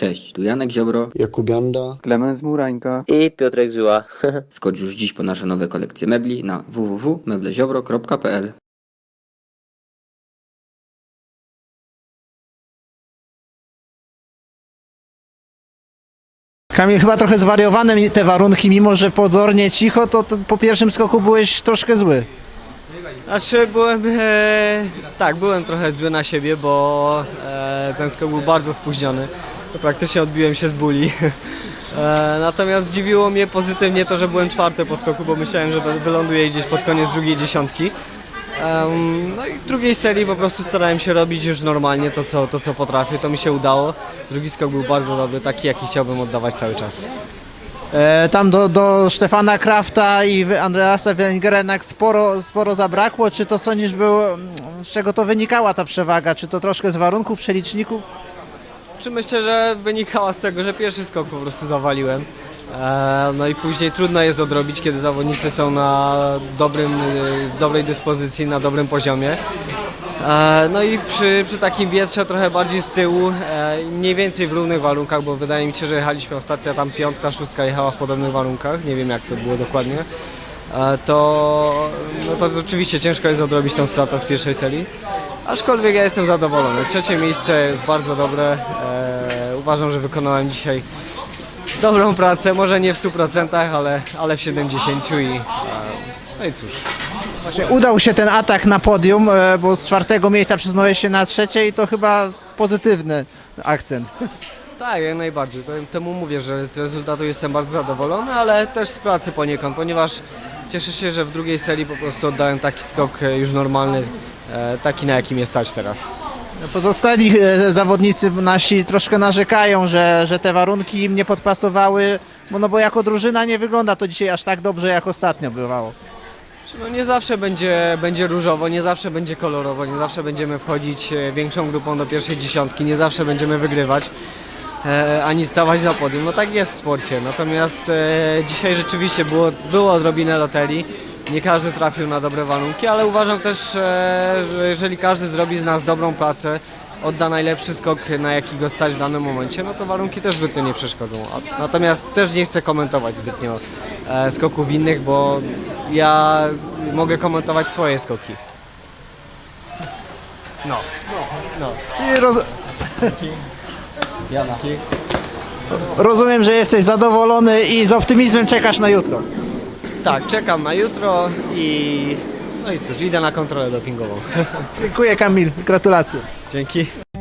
Cześć, tu Janek Ziobro, Jakub Janda, Klemens Murańka I Piotrek Żyła. skocz już dziś po nasze nowe kolekcje mebli na www.mebleziobro.pl. Kamil, chyba trochę zwariowane te warunki, mimo że pozornie cicho, to po pierwszym skoku byłeś troszkę zły. Znaczy byłem trochę zły na siebie, bo ten skok był bardzo spóźniony. Praktycznie odbiłem się z buli. Natomiast zdziwiło mnie pozytywnie to, że byłem czwarty po skoku, bo myślałem, że wyląduję gdzieś pod koniec drugiej dziesiątki. No i w drugiej serii po prostu starałem się robić już normalnie to co potrafię, to mi się udało. Drugi skok był bardzo dobry, taki jaki chciałbym oddawać cały czas. Tam do Stefana Krafta i Andreasa Wellingera jednak sporo zabrakło. Czy to sądzisz, z czego to wynikała ta przewaga? Czy to troszkę z warunków, przeliczników? Myślę, że wynikała z tego, że pierwszy skok po prostu zawaliłem. No i później trudno jest odrobić, kiedy zawodnicy są w dobrej dyspozycji, na dobrym poziomie. No i przy takim wietrze trochę bardziej z tyłu, mniej więcej w równych warunkach, bo wydaje mi się, że jechaliśmy ostatnio tam piątka, szóstka jechała w podobnych warunkach, nie wiem jak to było dokładnie. To rzeczywiście ciężko jest odrobić tą stratę z pierwszej serii, aczkolwiek ja jestem zadowolony. Trzecie miejsce jest bardzo dobre, uważam, że wykonałem dzisiaj dobrą pracę, może nie w 100%, ale w 70% no i cóż. Właśnie udał się ten atak na podium, bo z czwartego miejsca przesunąłeś się na trzecie i to chyba pozytywny akcent. Tak, jak najbardziej. Temu mówię, że z rezultatu jestem bardzo zadowolony, ale też z pracy poniekąd, ponieważ cieszę się, że w drugiej serii po prostu oddałem taki skok już normalny, taki na jakim jest stać teraz. Pozostali zawodnicy nasi troszkę narzekają, że te warunki im nie podpasowały, bo jako drużyna nie wygląda to dzisiaj aż tak dobrze, jak ostatnio bywało. No nie zawsze będzie różowo, nie zawsze będzie kolorowo, nie zawsze będziemy wchodzić większą grupą do pierwszej dziesiątki, nie zawsze będziemy wygrywać, ani stawać na podium. No tak jest w sporcie, natomiast dzisiaj rzeczywiście było odrobinę loterii. Nie każdy trafił na dobre warunki, ale uważam też, że jeżeli każdy zrobi z nas dobrą pracę, odda najlepszy skok, na jaki go stać w danym momencie, no to warunki też zbytnio nie przeszkodzą. Natomiast też nie chcę komentować zbytnio skoków innych, bo ja mogę komentować swoje skoki. No. Czyli rozumiem, że jesteś zadowolony i z optymizmem czekasz na jutro. Tak, czekam na jutro no i cóż, idę na kontrolę dopingową. Dziękuję, Kamil, gratulacje. Dzięki.